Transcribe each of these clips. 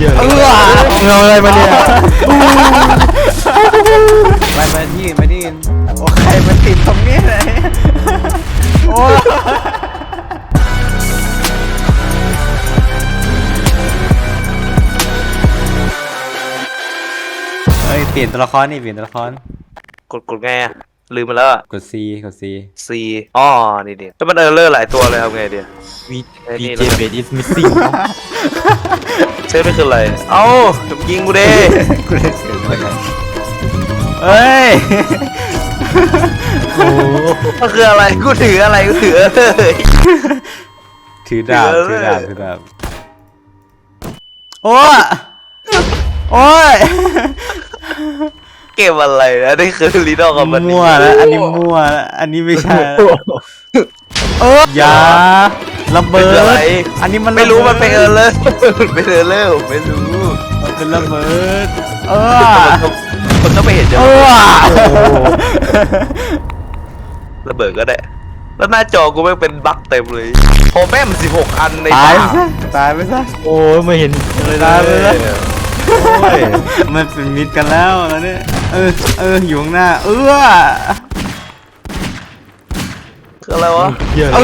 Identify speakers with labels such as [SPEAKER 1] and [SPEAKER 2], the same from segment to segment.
[SPEAKER 1] เงาอะไรมาเนี่ย
[SPEAKER 2] ไปที่โอ้ใครมันติดตรงนี้เลยโอ้เฮ้ยเปลี่ยนตัวละครนี่เปลี่ยนตัวละคร
[SPEAKER 3] กดไงอะลืมไปแล้วอะ
[SPEAKER 2] กด C กด C
[SPEAKER 3] C อ๋อนี่แล้วมันเลอร์หลายตัวเลยทำไงดี
[SPEAKER 1] VJ Base is missing
[SPEAKER 3] เซฟไม่คืออะไรเอ้ายิงกูเด้
[SPEAKER 2] กูได้เสียงมาไงเฮ้ย
[SPEAKER 1] โอ้
[SPEAKER 3] มันคืออะไรกูถืออะไรกูถือเลย
[SPEAKER 2] ถือดาบ
[SPEAKER 3] ถื
[SPEAKER 2] ถื
[SPEAKER 3] อ
[SPEAKER 2] อ
[SPEAKER 3] เลย
[SPEAKER 2] ดาบถือดาบโอ้ยโอ้ย
[SPEAKER 3] เก็บอะไรนะนี่คือลีดอลกับมัน
[SPEAKER 2] มั่วแล้วอันนี้มั่วแล้วอันนี้ไม่ใช่แล้วอย่าระเบิ
[SPEAKER 3] เป็นอะไร
[SPEAKER 2] ดอันนี้มัน
[SPEAKER 3] ไม่รู้มันเป็น
[SPEAKER 2] ระบิด
[SPEAKER 3] เลอร์เป็นเลอร์ผมไม่รู้
[SPEAKER 2] มันเป็นระเบิด
[SPEAKER 3] คนต้องไปเห็นจะ ระเบิดก็ได้แล้วหน้าจอกูไม่เป็นบั๊กเต็มเลยโฮแม่ม16 อันใน
[SPEAKER 2] ตาย
[SPEAKER 3] ปาก
[SPEAKER 2] ไปซะตายไปซะ
[SPEAKER 1] โอ้ไม่เห็นเลย
[SPEAKER 2] ตายไปซะ
[SPEAKER 1] โอ้ย
[SPEAKER 2] มันเป็นมิตรกันแล้วเนี่ยอยู่ข้างหน้า
[SPEAKER 3] คืออะไรวะ
[SPEAKER 1] เหี้ย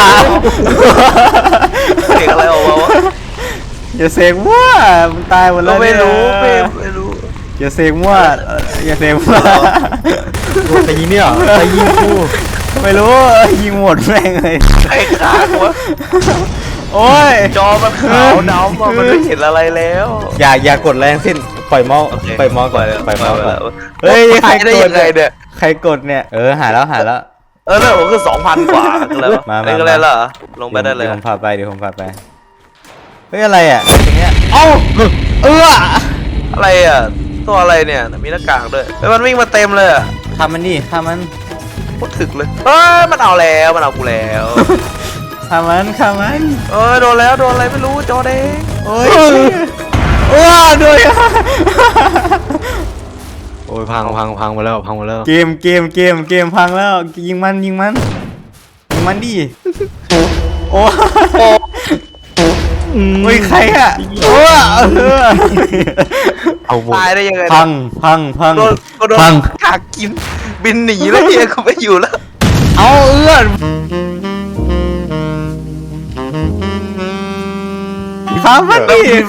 [SPEAKER 3] เสียงอะไรออกมาวะ
[SPEAKER 2] อย่าเสกมั่วมันตายหมดแล้
[SPEAKER 3] เรา
[SPEAKER 2] ว
[SPEAKER 3] ไม่รู้
[SPEAKER 2] เนี่ย
[SPEAKER 3] ไม่รู้
[SPEAKER 2] อย่าเสกมั่วอย่าเสกมั่ว
[SPEAKER 1] แต่ยิงเนี่ยแต่ยิงกู
[SPEAKER 2] ไม่รู้ยิงหมดแม่งเลย
[SPEAKER 3] ไอ้ขางวะ
[SPEAKER 2] โอ้ย
[SPEAKER 3] จอมันขาวดำอะมันไม่เห็นอะไรแล้ว
[SPEAKER 2] อย่ากดแรงสิ้นปล่อยเมาส์ปล่อยเมาส์ก่อนปล่อยเมาส์ก่อนเฮ้ยใคร
[SPEAKER 3] ได้
[SPEAKER 2] ก
[SPEAKER 3] ยั
[SPEAKER 2] ด
[SPEAKER 3] งไงเนี่ย
[SPEAKER 2] ใครกดเนี่ยหาแล้ว
[SPEAKER 3] เนี่ยผมคือ 2,000 กว่าคืออะไรวะ
[SPEAKER 2] มา
[SPEAKER 3] นี่ก็อะไรล่ะลงไปได้เลย
[SPEAKER 2] เดี๋ยวผมพาไปเฮ้ยอะไรอ่ะอย่างเงี้ย
[SPEAKER 3] อะไรอ่ะตัวอะไรเนี่ยมีหน้ากากด้วยแล้วมันวิ่งมาเต็มเลยอ่ะ
[SPEAKER 2] ทำมันดิทำมัน
[SPEAKER 3] โคตรถึกเลยเฮ้ยมันเอากูแล้ว
[SPEAKER 2] ทำมัน
[SPEAKER 3] โดนอะไรไม่รู้จอแดง
[SPEAKER 2] โอ้ยด้วย
[SPEAKER 1] โอ้ยพังมาแล้ว
[SPEAKER 2] เกมพังแล้วยิงมันดิโอ้ยใครอ่ะ
[SPEAKER 1] เอาหมด
[SPEAKER 3] ตายได้ยังไง
[SPEAKER 2] พัง
[SPEAKER 3] โดนขากกินบินหนีแล้วเฮียกูไม่อยู่แล้ว
[SPEAKER 2] เอาข้ามมัน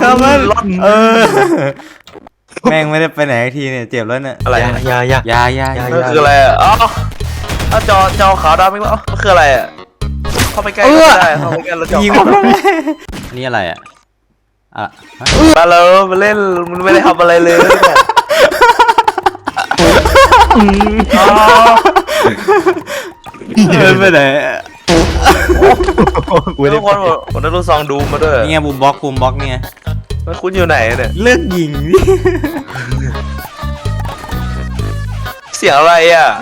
[SPEAKER 2] แม่งไม่ได้ไปไหนทีเนี่ยเจ็บแล้วเนี่ย
[SPEAKER 3] อะไร
[SPEAKER 1] ยา
[SPEAKER 3] มันคืออะไรอ่ะอ๋อเอาจอขาวดำอีกแล้วมันคืออะไรอ่ะเข้าไปใกล้ก็ไม่ได้เข้าไปใกล้แล้วจอ
[SPEAKER 2] ยิง
[SPEAKER 3] ขาว
[SPEAKER 2] นี่อะไรอ่ะ
[SPEAKER 3] มาแล้วมาเล่นมันไม่ได้ทำอะไรเลยเนี่ย
[SPEAKER 2] ไปไหน
[SPEAKER 3] ทุกคนผมได้รู้ซองดูมาด้วย
[SPEAKER 2] นี่ไงบูมบล็อกเนี่ย
[SPEAKER 3] แล้วคุณอยู่ไหนเนี่ย
[SPEAKER 2] เลิกยิงดิ
[SPEAKER 3] เสียงอะไรอ่ะ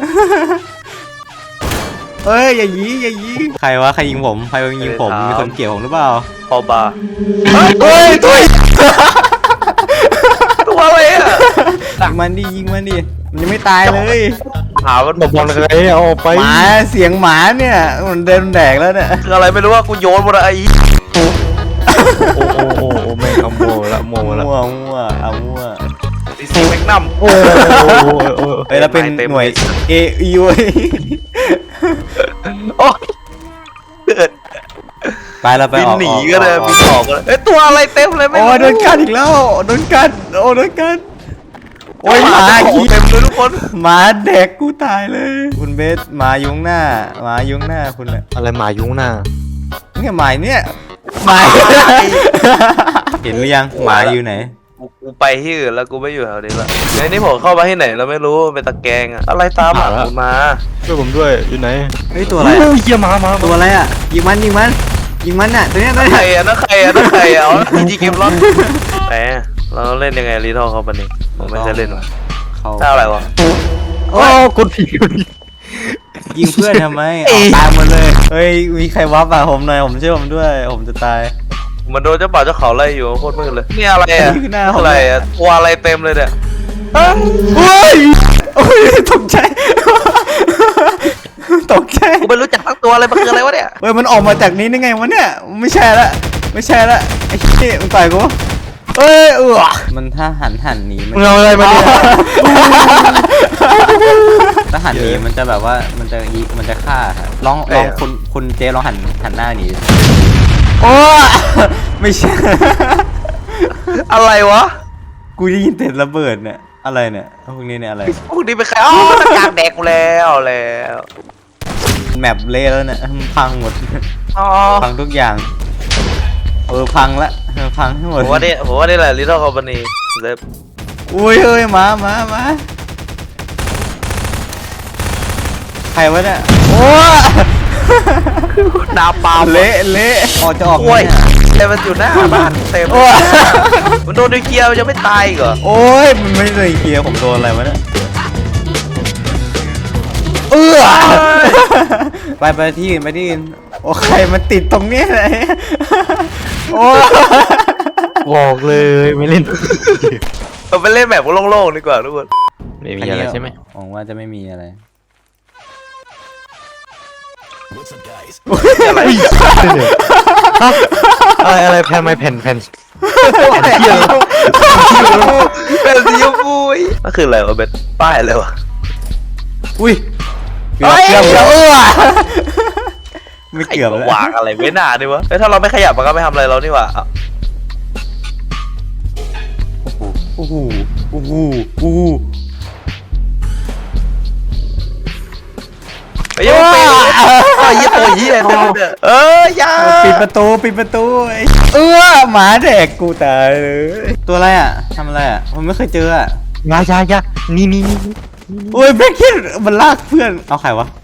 [SPEAKER 2] เฮ้ยอย่ายิงใครวะใครยิงผมมีคนเกี่ยวผมหรือเปล่า
[SPEAKER 3] พอบา
[SPEAKER 2] เฮ้ยตัว
[SPEAKER 3] อะไรอ่ะ
[SPEAKER 2] ยิงมันดิมันยังไม่ตายเลย
[SPEAKER 3] หามัน
[SPEAKER 1] บอลอะไรเอาออกไป
[SPEAKER 2] หมาเสียงหมาเนี่ยมันเดินแดกแล้วเนี่ย
[SPEAKER 3] คืออะไรไม่รู้ว่ากูโยนหมดไอ้
[SPEAKER 1] โอ้ไม่เอาโมละ
[SPEAKER 2] มั่ว
[SPEAKER 3] ดิซีแมกนัม
[SPEAKER 1] โอ้
[SPEAKER 2] เฮ้ยเราเป็นหน่วย AEU
[SPEAKER 3] โอ้เกิด
[SPEAKER 2] ไปเราไป
[SPEAKER 3] บินหนีก็เลยบินออกก็เลยตัวอะไรเต็มเลยไม่
[SPEAKER 2] โอ้
[SPEAKER 3] รู้
[SPEAKER 2] โดนกัดอีกแล้วโดนกัดโอ้ยหมา
[SPEAKER 3] เต็มเลยทุกคน
[SPEAKER 2] หมาแดกกูตายเลย คุณเบสหมายุงหน้าคุณน่ะ
[SPEAKER 1] อะไรหมายุ้งหน้า
[SPEAKER 2] เนี่ยหมาเนี่ยหมาเห็นหรือยังหมาอยู่ไหน
[SPEAKER 3] กูไปที่อื่นแล้วกูไม่อยู่แถวนี้ละไอ้นี่ผมเข้ามาที่ไหนเราไม่รู้เป็นตะแกรงอะอะไรตามหลังผมมา
[SPEAKER 1] ช่วยผมด้วยอยู่ไหน
[SPEAKER 2] เฮ้ยตัวอะไร
[SPEAKER 1] เหี้ยมา
[SPEAKER 2] ตัวอะไรอ่ะยิงมันน่ะตัวเนี้ย
[SPEAKER 3] ใครอะนั่นใครอะเอาจริงเกมร้อนแหมเราเล่นยังไงรีทอลเขาปะนี่ผมไม่ใช่เล่นว่ะ
[SPEAKER 2] เขา
[SPEAKER 3] ถ้าอะไรวะ
[SPEAKER 1] โอ้กดผี
[SPEAKER 2] ยิงเพื่อนทำไมตายหมดเลยเฮ้ยมีใครวับอ่ะผมหน่อยผมช่วยผมด้วยผมจะตาย
[SPEAKER 3] มันโดนเจ้าป่าเจ้าเขาไล่อยู่โคตรมืดเลยนี่อะไรอะ
[SPEAKER 2] หน้าผม
[SPEAKER 3] อะไรอะตัวอะไรเต็มเลยเนี่ย
[SPEAKER 2] โอ้ยตกใจ
[SPEAKER 3] กูไม่รู้จักทั้งตัวอะไรมันคืออะไรวะเนี่ย
[SPEAKER 2] เฮ้ยมันออกมาจากนี้ได้ไงวะเนี่ยไม่ใช่ละไอ้เหี้ยมึงต่อยกูเอ้ยมันถ้าหันหนีมัน
[SPEAKER 1] มึงเอาอะไรมาเนี่ย
[SPEAKER 2] ถ้าหันหนีมันจะแบบว่ามันจะฆ่าครับลองคุณเจลองหันหน้าหนีโอ้ไม่ใช่
[SPEAKER 3] อะไรวะ
[SPEAKER 2] กูได้ยินเสียงระเบิดเนี่ยอะไรเนี่ยพวกนี้เนี่ยอะไร
[SPEAKER 3] พวกนี้เป็นใครอ๋อตะกางแดกกูแล้ว
[SPEAKER 2] แมปเละแล้วเนี่ยมันพังหมด
[SPEAKER 3] อ๋อ
[SPEAKER 2] พังทุกอย่างพังละพังทั้งหมด
[SPEAKER 3] ผมว่านี่แหละ Little Company เล็บ
[SPEAKER 2] อุ้ยเฮ้ยมาใครวะเนี่ยโอ้
[SPEAKER 3] นาปาล์ม
[SPEAKER 2] เละออกจะออก
[SPEAKER 3] โอ้ย
[SPEAKER 2] เนี่ย
[SPEAKER 3] แต่มันอยู่หน้าบ้านเต็ม
[SPEAKER 2] โอ้ย
[SPEAKER 3] มันโดนนิวเคลียร์มันจะไม่ตายอีกเหรอ
[SPEAKER 2] โอ้ยมันไม่เลยเคลียร์ผมโดนอะไรวะเนี่ยไปที่อื่นโอ้ใครมันติดตรงนี้เลยโอ้
[SPEAKER 1] บอกเลยไม่เล่น
[SPEAKER 3] เราไปเล่นแบบโล่งๆดีกว่าทุกคน
[SPEAKER 1] ไม่มีอะไรใช่ไหม
[SPEAKER 2] หวังว่าจะไม่มีอะไร
[SPEAKER 1] อะไรแผ่นไม้แผ่น
[SPEAKER 3] เป็นสีชมพูนั่นคืออะไรวะเป็นป้ายอะไรวะ
[SPEAKER 2] อุ้ยเกือบไม่เกือบแล้ว
[SPEAKER 3] วางอะไรไม่น่าดิวะถ้าเราไม่ขยับมันก็ไม่ทำอะไรเรานี่หว่า
[SPEAKER 2] โอ้โห
[SPEAKER 3] ไปยังไปยี่ตัวยี่เลยเนี่ยยา
[SPEAKER 2] ปิดประตูหมาแดกกูตายเลยตัวอะไรอ่ะทำอะไรอ่ะผมไม่เคยเจออ่ะ
[SPEAKER 1] ยานี่
[SPEAKER 2] โอ้ยแบล็คคิดมันลากเพื่อนเอาใครวะ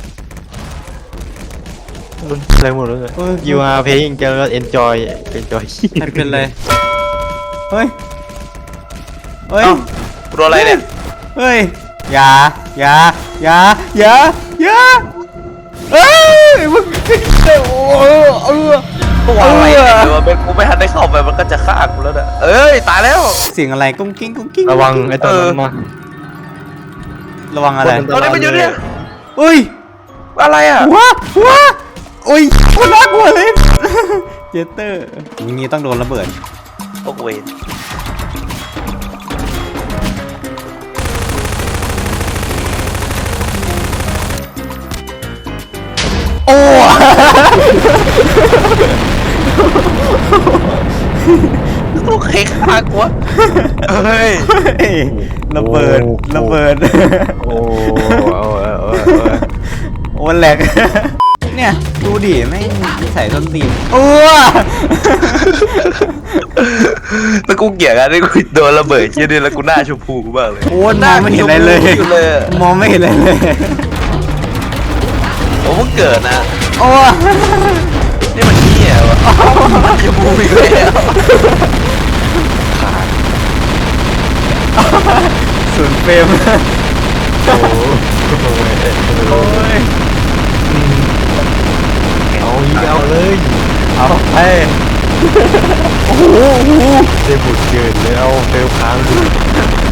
[SPEAKER 1] อะไรหมดเลย You are playing just enjoy
[SPEAKER 2] ใครเป็นไรเฮ้ย
[SPEAKER 3] ตัวอะไรเนี่ย
[SPEAKER 2] เฮ้ยอย่าเอ้ยมึง
[SPEAKER 3] ตัวอะไรเนี่ยวะเป็นกูไม่ทันได้เข้าไปมันก็จะฆ่ากูแล้วนะเอ้ยตายแล้ว
[SPEAKER 2] เสียงอะไรกุ้งกิ้ง
[SPEAKER 1] ระวังไอ้ตัวนั้นมา
[SPEAKER 2] ระวังอะไร
[SPEAKER 3] ตอนนี้มันอยู่เนี่ย
[SPEAKER 2] เฮ้ย
[SPEAKER 3] อะไรอ่ะ
[SPEAKER 2] ว้าโอ้ยคนน่ากลัวเลย เจเตอร์อย่างนี้ต้องโดนระเบิด
[SPEAKER 3] โอ้โห
[SPEAKER 2] โอ้
[SPEAKER 3] ลูกเค้กฆ่ากูเฮ้ย
[SPEAKER 2] ระเบิด
[SPEAKER 1] โอ้
[SPEAKER 2] โอ้แหลกเนี่ยดูดิไม่ใส่ส้นตีนโอ้
[SPEAKER 3] แล้วกูเกลียดกันที่กูโดนระเบิดชิ้นนี้แล้วกูหน้าชมพูกูบ้างเลย
[SPEAKER 2] โอ้มองไม่เห็นอะไรเลย มองไม่เห็นอะไรเลย
[SPEAKER 3] โอ้มึงเกิดนะ
[SPEAKER 2] โอ้
[SPEAKER 3] นี่มันเหี้ยวะชมพูอีกแล้ว
[SPEAKER 2] ศูนย์เฟรม
[SPEAKER 1] โอ้
[SPEAKER 2] โอ้ย
[SPEAKER 1] เอาเลย
[SPEAKER 2] เอาไปโอ้โห
[SPEAKER 1] ได้บุญเกินแล้วเฟลค้าง